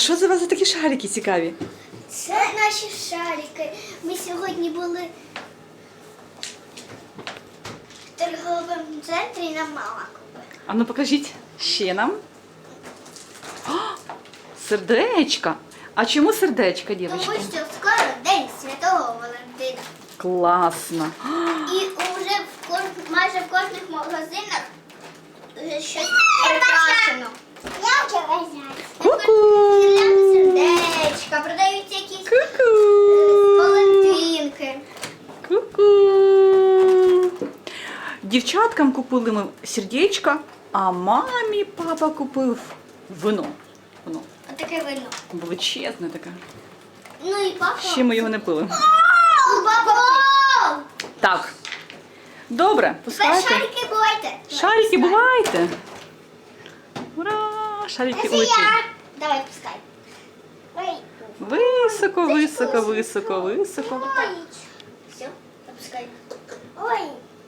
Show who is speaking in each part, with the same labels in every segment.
Speaker 1: що це у вас за такі шарики цікаві?
Speaker 2: Це наші шарики. Ми сьогодні були в торговому центрі і нам мама купила.
Speaker 1: А ну покажіть ще нам. О, сердечка. А чому сердечка,
Speaker 2: Тому
Speaker 1: дівчатки?
Speaker 2: що скоро День Святого Валентина.
Speaker 1: Класно.
Speaker 2: І вже майже в кожних магазинах вже щось прикрашено. Я вже вважаю.
Speaker 1: Ку-ку.
Speaker 2: Сердечка, продаються якісь
Speaker 1: Ку-ку.
Speaker 2: Валентинки.
Speaker 1: Ку-ку. Дівчаткам купили ми сердечка, а мамі папа купив вино. Вино.
Speaker 2: Отаке вино.
Speaker 1: Величезне таке.
Speaker 2: Ну і папа.
Speaker 1: Ще ми його не пили.
Speaker 2: Папа!
Speaker 1: Так. Добре, пускайте.
Speaker 2: Шарики бувайте.
Speaker 1: Шарики, бувайте. Ура! Шарики
Speaker 2: Це
Speaker 1: улетіли.
Speaker 2: я. Давай, пускай. Ой.
Speaker 1: Високо, високо, високо, високо.
Speaker 2: Ой. Все, опускай. Ой.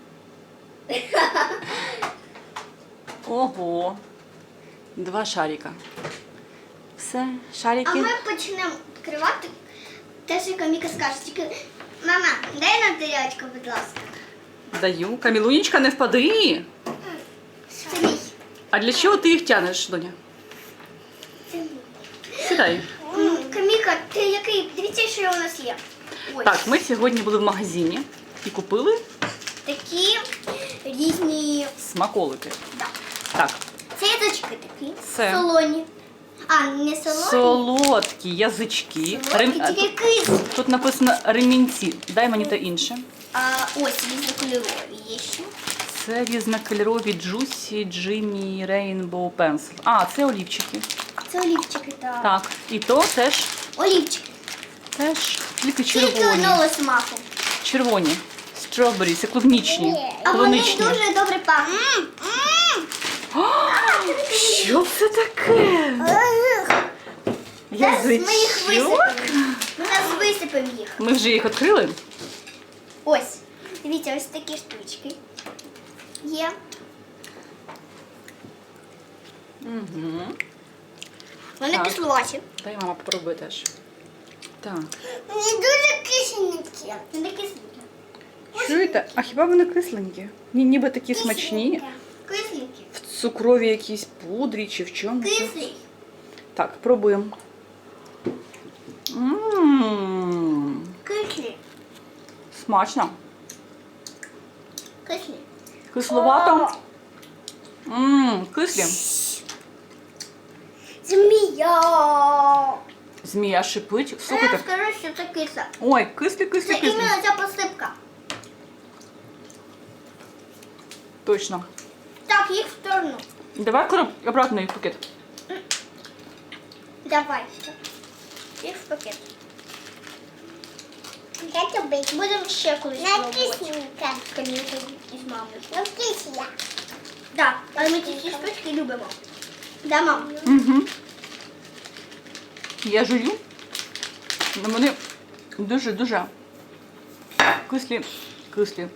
Speaker 1: Ого. 2 шарика. Все,
Speaker 2: А
Speaker 1: шарики.
Speaker 2: ми почнемо відкривати те, що Каміка скаже. Тільки, мама, дай нам тарілочку, будь ласка.
Speaker 1: Даю. Камілунечка, не впади.
Speaker 2: Це мій.
Speaker 1: А для чого ти їх тянеш, доня?
Speaker 2: Це мій.
Speaker 1: Сідай.
Speaker 2: Каміка, ти який? Дивіться, що у нас є. Ось.
Speaker 1: Так, ми сьогодні були в магазині і купили
Speaker 2: Такі різні.
Speaker 1: смаколики.
Speaker 2: Да.
Speaker 1: Так,
Speaker 2: Це язички такі.
Speaker 1: Це.
Speaker 2: Солоні. А, не солоні.
Speaker 1: солодкі язички.
Speaker 2: Солодкі, тільки кислі.
Speaker 1: Тут написано ремінці. Дай мені те інше.
Speaker 2: А ось різнокольорові є ще.
Speaker 1: Це різнокольорові Juicy Jimmy Rainbow Pencil. А, це олівчики.
Speaker 2: Це олівчики, так.
Speaker 1: Так, і то теж
Speaker 2: Олівчики.
Speaker 1: тільки
Speaker 2: Тільки
Speaker 1: червоні.
Speaker 2: одного смаку.
Speaker 1: Червоні. Strawberry, це клубнічні.
Speaker 2: А вони
Speaker 1: Клубничні.
Speaker 2: дуже добре пахнуть.
Speaker 1: Що це таке?
Speaker 2: Зараз ми їх
Speaker 1: Язичок?
Speaker 2: висипемо. Ми зараз висипемо їх.
Speaker 1: Ми вже їх відкрили?
Speaker 2: Ось. Дивіться, ось такі штучки є.
Speaker 1: Угу.
Speaker 2: Вони
Speaker 1: Так.
Speaker 2: кисловаті.
Speaker 1: Дай мама попробує теж. Так.
Speaker 2: Вони дуже кисленькі. Вони кисленькі.
Speaker 1: Чуєте? А хіба вони кисленькі? Ніби такі смачні.
Speaker 2: Кисленькі.
Speaker 1: В цукровій якійсь пудрі чи в чому?
Speaker 2: Кислі.
Speaker 1: Так, пробуємо. Ммм,
Speaker 2: Кислі.
Speaker 1: смачно.
Speaker 2: Кислі.
Speaker 1: Кисловато. Ммм, кислі.
Speaker 2: Змія.
Speaker 1: Змія шипить.
Speaker 2: Я
Speaker 1: Слухайте.
Speaker 2: скажу, що це киса.
Speaker 1: Ой, кислі, кислі,
Speaker 2: Це
Speaker 1: кислі.
Speaker 2: іменно ця посипка.
Speaker 1: Точно.
Speaker 2: Так, їх в сторону.
Speaker 1: Давай обратно їх в пакет.
Speaker 2: Давай. Їх в пакет. Будемо ще колись пробувати. З Камілкою і з мамою. Так, але ми ці всі штучки любимо. Да, мам?
Speaker 1: Угу. Я жую. Но вони дуже-дуже кислі. Кислі.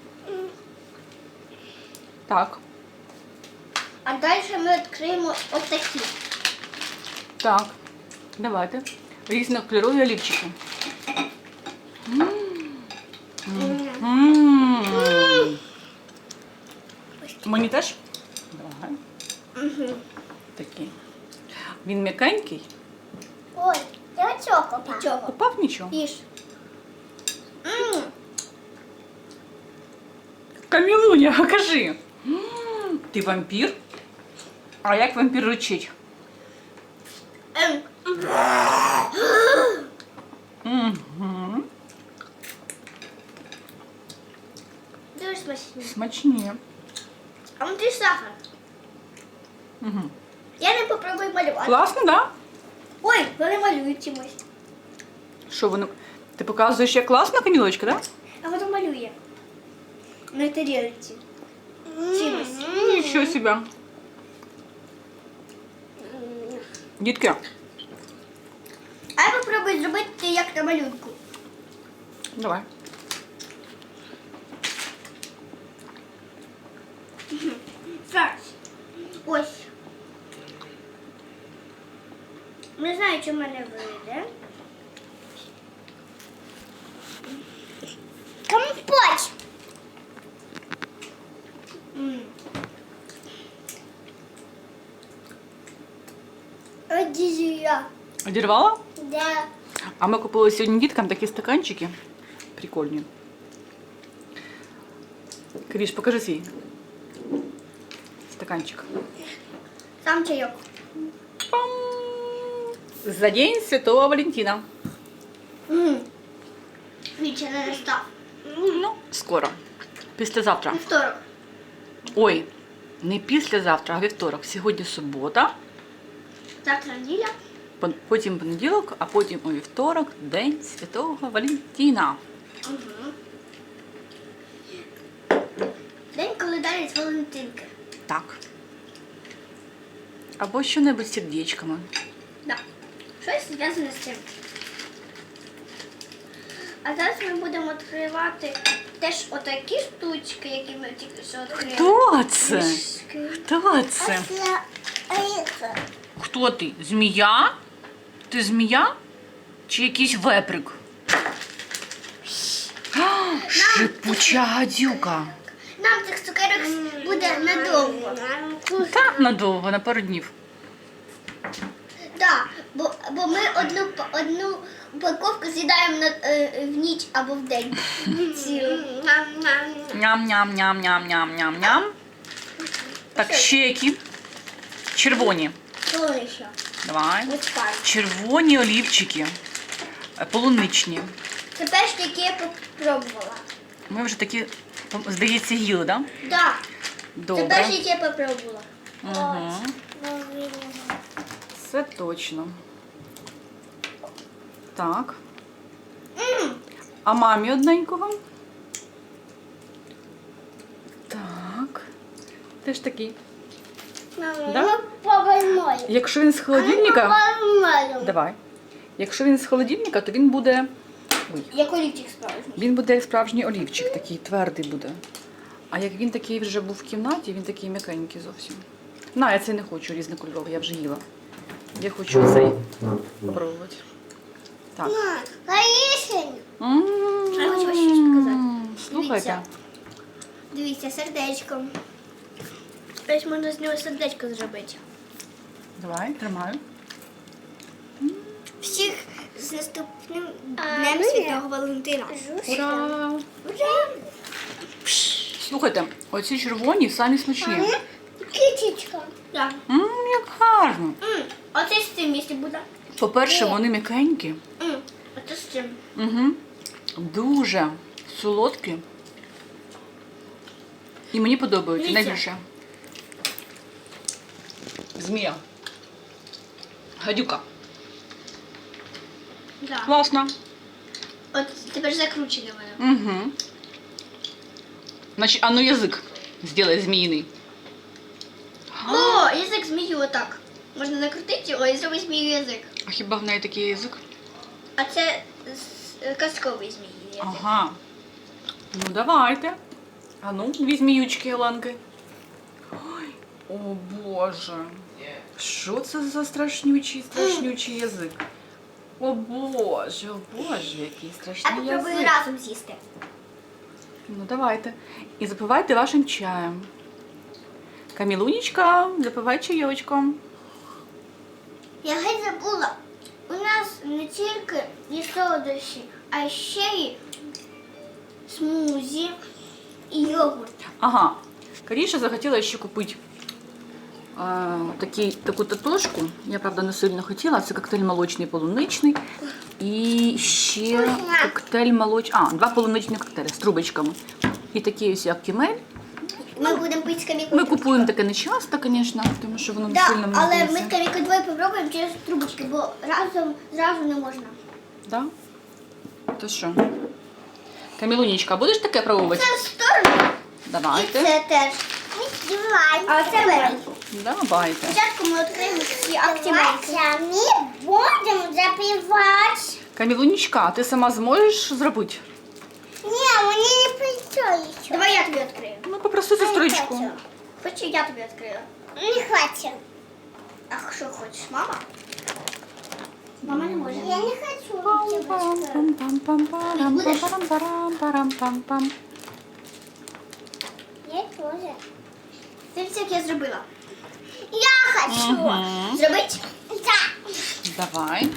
Speaker 1: Так.
Speaker 2: А далі ми відкриємо отакі.
Speaker 1: Так. Давайте. Різнокольорові олівчики. М. Мені теж? Давай.
Speaker 2: Угу.
Speaker 1: Такий. Він м'якенький.
Speaker 2: Ой, я оцього попав. Чого?
Speaker 1: Упав нічого.
Speaker 2: Їж.
Speaker 1: Камілуня, кажи. Ти вампір? А як вампір речить? Угу.
Speaker 2: Дуже смачні.
Speaker 1: Смачні.
Speaker 2: А внутрі сахар.
Speaker 1: Угу.
Speaker 2: Я не попробую малювати.
Speaker 1: Класно, так? Да?
Speaker 2: Ой, вони малюють чимось.
Speaker 1: Що вони? Ти показуєш, як класно, Камілочка, так? Да?
Speaker 2: А воно малює. На тарілці. Чимось.
Speaker 1: Нічого себе. Дітки,
Speaker 2: А я попробую зробити як на малюнку.
Speaker 1: давай.
Speaker 2: Зараз. Ось. Не знаю, чи в мене вийде. Компот. Одіжія.
Speaker 1: Одірвала?
Speaker 2: Да.
Speaker 1: А ми купили сьогодні діткам такі стаканчики. Прикольні. Кріш, покажи свій стаканчик.
Speaker 2: Сам чайок.
Speaker 1: Пам! За День Святого Валентина.
Speaker 2: Віче не настав.
Speaker 1: Ну, скоро. Післязавтра.
Speaker 2: Вівторок.
Speaker 1: Ой, не післязавтра, а вівторок. Сьогодні субота,
Speaker 2: Завтра неділя.
Speaker 1: потім понеділок, а потім у вівторок День Святого Валентина.
Speaker 2: Угу. День календаря з Валентинки.
Speaker 1: Так. Або що-небудь з сердечками.
Speaker 2: Да. Щось зв'язане з цим. А зараз ми будемо відкривати теж отакі штучки, які ми тільки що відкрили.
Speaker 1: Хто це?
Speaker 2: Мішки.
Speaker 1: Хто це? Хто ти? Змія? Ти змія? Чи якийсь веприк? Шипуча гадюка.
Speaker 2: Нам цих цукерок буде надовго.
Speaker 1: Так, надовго, на пару днів.
Speaker 2: Так, бо ми одну упаковку з'їдаємо в ніч або в день. Цілу.
Speaker 1: Ням-ням-ням-ням-ням-ням-ням. Так, ще які? Червоні.
Speaker 2: Що ще?
Speaker 1: Давай.
Speaker 2: Ось так.
Speaker 1: Червоні олівчики. Полуничні.
Speaker 2: Це перші, які я попробувала.
Speaker 1: Ми вже такі, здається, їли, так? Да?
Speaker 2: Так. Це
Speaker 1: Добре.
Speaker 2: перші, які я попробувала.
Speaker 1: Угу. Це точно. Так. А мамі одненького? Так. Теж такий. Да?
Speaker 2: Повернемо.
Speaker 1: Якщо він з холодильника. Давай. Якщо він з холодильника, то він буде. Ой.
Speaker 2: Як олівчик справжній.
Speaker 1: Він буде як справжній олівчик, такий твердий буде. А як він такий вже був в кімнаті, він такий м'якенький зовсім. На, я цей не хочу різнокольоровий, я вже їла. Я хочу цей спробувати. Так.
Speaker 2: Горішень.
Speaker 1: М-м-м.
Speaker 2: Я хочу щось сказати.
Speaker 1: Слухайте.
Speaker 2: Дивіться, сердечко. Ось можна з нього сердечко зробити.
Speaker 1: Давай, тримаю.
Speaker 2: Всіх з наступним Днем Святого Валентина.
Speaker 1: Ура! Слухайте, оці червоні самі смачні.
Speaker 2: Китічка. Так.
Speaker 1: Як гарно.
Speaker 2: Оце з цим, якщо буде.
Speaker 1: По-перше, вони м'якенькі.
Speaker 2: Оце з цим.
Speaker 1: Угу. Дуже солодкі. І мені подобаються
Speaker 2: Дивіться.
Speaker 1: найбільше. Змія. Гадюка.
Speaker 2: Да.
Speaker 1: Класно.
Speaker 2: От тепер закручене воно.
Speaker 1: Угу. Значить, а ну язик сделай зміїний.
Speaker 2: О, язик змію отак. Можна накрутити його і зробити змію язик.
Speaker 1: А хіба в неї такий язик?
Speaker 2: А це казковий змій язик.
Speaker 1: Ага. Ну давайте. А ну, дві зміючки, Оленки. Ой, о Боже. Що це за страшнючий язик? О Боже, який
Speaker 2: А
Speaker 1: страшний
Speaker 2: попробую
Speaker 1: язик.
Speaker 2: разом з'їсти.
Speaker 1: Ну давайте. І запивайте вашим чаєм. Камілунечка, запивай чайочком.
Speaker 2: Я геть забула. У нас не тільки є солодощі, а ще й смузі і йогурт.
Speaker 1: Ага. Каріша захотіла ще купити таку татошку. Я, правда, не сильно хотіла. Це коктейль молочний полуничний. І ще коктейль молочний. Два полуничні коктейлі з трубочками. І такі ось як кімель.
Speaker 2: Ми будемо пити з камікою.
Speaker 1: Ми купуємо таке не часто, звісно, тому що воно не
Speaker 2: Да,
Speaker 1: сильно мені
Speaker 2: але ми
Speaker 1: здається.
Speaker 2: з камікою двоє попробуємо через трубочки, бо разом зразу не можна.
Speaker 1: Да? То що? Камілунечка, будеш таке пробувати?
Speaker 2: Це в сторону.
Speaker 1: Давайте.
Speaker 2: І це теж. А це беремо.
Speaker 1: Давайте.
Speaker 2: Спочатку ми отримаємо всі активації.
Speaker 3: Ми будемо запивати.
Speaker 1: Камілунечка, а ти сама зможеш зробити?
Speaker 3: Ні, мені не прийшло ще.
Speaker 2: Давай я тобі відкрию.
Speaker 1: Ну, попроси сестричку.
Speaker 3: хочу.
Speaker 2: Хочу, я тобі відкрию.
Speaker 3: Не хочу.
Speaker 2: А що хочеш, мама? Мама не може.
Speaker 3: Я не хочу.
Speaker 1: Пам-пам-пам-пам-пам-пам-пам-пам.
Speaker 3: Я тоже.
Speaker 2: Дивіться, як я зробила.
Speaker 3: Я хочу.
Speaker 1: Мгм.
Speaker 2: Зробить?
Speaker 3: Да.
Speaker 1: Давай.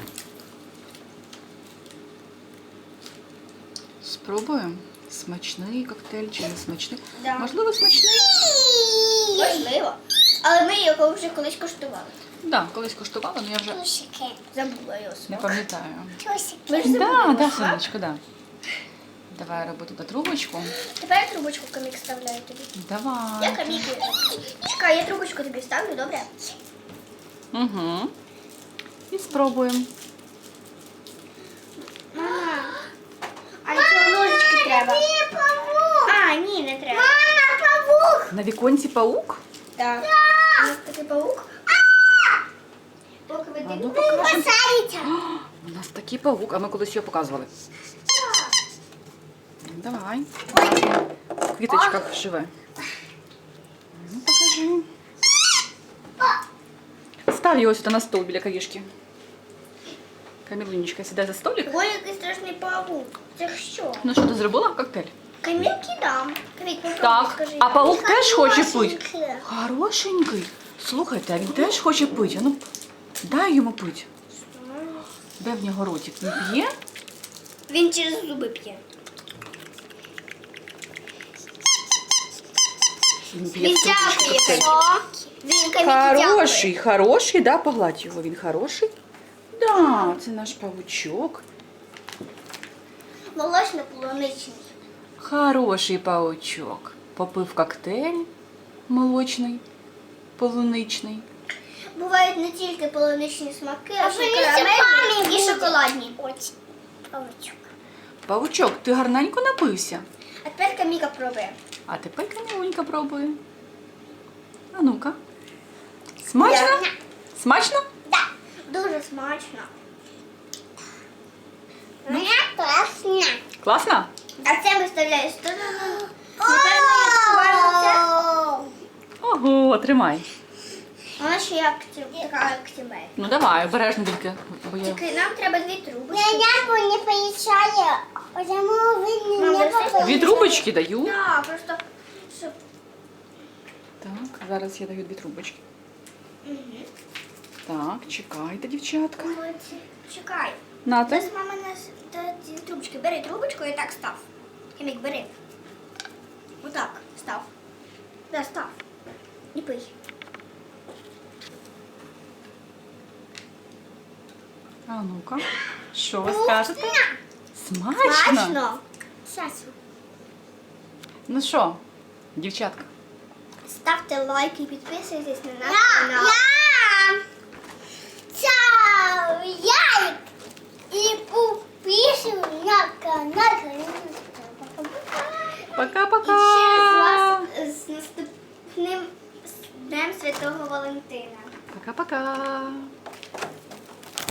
Speaker 1: Спробуємо. Смачний коктейль чи не смачний?
Speaker 2: Да.
Speaker 1: Можливо, смачний?
Speaker 2: Можливо. Але ми його вже колись коштували.
Speaker 1: Так, да, колись коштувала, але я вже
Speaker 3: Тусики.
Speaker 2: Забула його
Speaker 1: не
Speaker 2: смак.
Speaker 1: пам'ятаю.
Speaker 3: Тусики.
Speaker 2: Ми ж забули
Speaker 1: Так,
Speaker 2: його
Speaker 1: да,
Speaker 2: смак.
Speaker 1: сонечко, да. Давай робити до трубочку.
Speaker 2: Тепер я трубочку камік ставляю тобі. Я
Speaker 1: Давай.
Speaker 2: камік. Чекай, я трубочку тобі ставлю, добре?
Speaker 1: Угу. І спробуємо.
Speaker 2: Мама, а цього ножички треба. А, ні, не треба.
Speaker 3: Мама, павук.
Speaker 1: На віконці паук?
Speaker 2: Так. У нас такий паук. Поки ви
Speaker 1: А ну
Speaker 2: дивитесь.
Speaker 1: покажемо.
Speaker 3: Посадите.
Speaker 1: У нас такий паук, а ми колись його показували. Давай. В квіточках живе. Ну, покажи. Став його сюди на стол біля кавішки. Камілунечка, сідай за столик.
Speaker 2: Ой, який страшний паук. Це що?
Speaker 1: Ну що, ти зробила коктейль?
Speaker 2: Камік кидам. Камік, попробуй,
Speaker 1: Так.
Speaker 2: скажи.
Speaker 1: А паук теж хоче пити.
Speaker 3: Хорошенький.
Speaker 1: Хорошенький. Слухайте, а він теж хоче пити. А ну, дай йому пити. Де в нього ротик? Він п'є?
Speaker 2: Він через зуби п'є.
Speaker 1: Він п'є
Speaker 2: Він
Speaker 1: в трубочку
Speaker 2: дякує.
Speaker 1: коктейль.
Speaker 2: Він камік
Speaker 1: Хороший, хороший, да, погладь його, він хороший. Да, це наш павучок.
Speaker 2: Молочно-полуничний.
Speaker 1: Хороший павучок. Попив коктейль молочний, полуничний.
Speaker 2: Бувають не тільки полуничні смаки, а ще й
Speaker 3: вони
Speaker 2: карамельні
Speaker 3: зубами
Speaker 2: і
Speaker 3: будуть.
Speaker 2: шоколадні.
Speaker 3: Очень. Павучок.
Speaker 1: Павучок, ти гарненько напився.
Speaker 2: А тепер каміка пробує.
Speaker 1: А тепер Камілунька пробує. А ну-ка. Смачно?
Speaker 2: Я-
Speaker 1: Смачно?
Speaker 3: Да.
Speaker 2: Дуже смачно.
Speaker 3: Мне классно.
Speaker 1: Класно?
Speaker 2: А це виставляю в сторону. Напевно, я скажу це.
Speaker 1: Ого, тримай.
Speaker 2: Вона ще як така активна.
Speaker 1: Ну давай, обережно тільки. Бо я...
Speaker 2: Тільки нам треба дві трубочки.
Speaker 3: Я небо не поезжаю, потому вы
Speaker 2: Мам,
Speaker 3: не
Speaker 2: вы все
Speaker 1: Дві трубочки даю.
Speaker 2: Так, просто щоб.
Speaker 1: Так, зараз я даю дві трубочки.
Speaker 2: Угу.
Speaker 1: Так, чекайте, дівчатка.
Speaker 2: Молодці. Чекай.
Speaker 1: Нате.
Speaker 2: Зараз мама нас дасть дві трубочки. Бери трубочку і так став. Хімік, бери. Отак, став. Да, став. Не пий.
Speaker 1: А ну-ка. Що ви скажете? Смачно?
Speaker 2: Смачно.
Speaker 3: Сейчас.
Speaker 1: Ну що, дівчатка?
Speaker 2: Ставте лайк і підписуйтесь на наш
Speaker 3: Я,
Speaker 2: канал.
Speaker 3: я, чау, я и подписываю на канал.
Speaker 2: І
Speaker 1: Пока-пока.
Speaker 2: ще з вас з наступним Днем Святого Валентина.
Speaker 1: Пока-пока.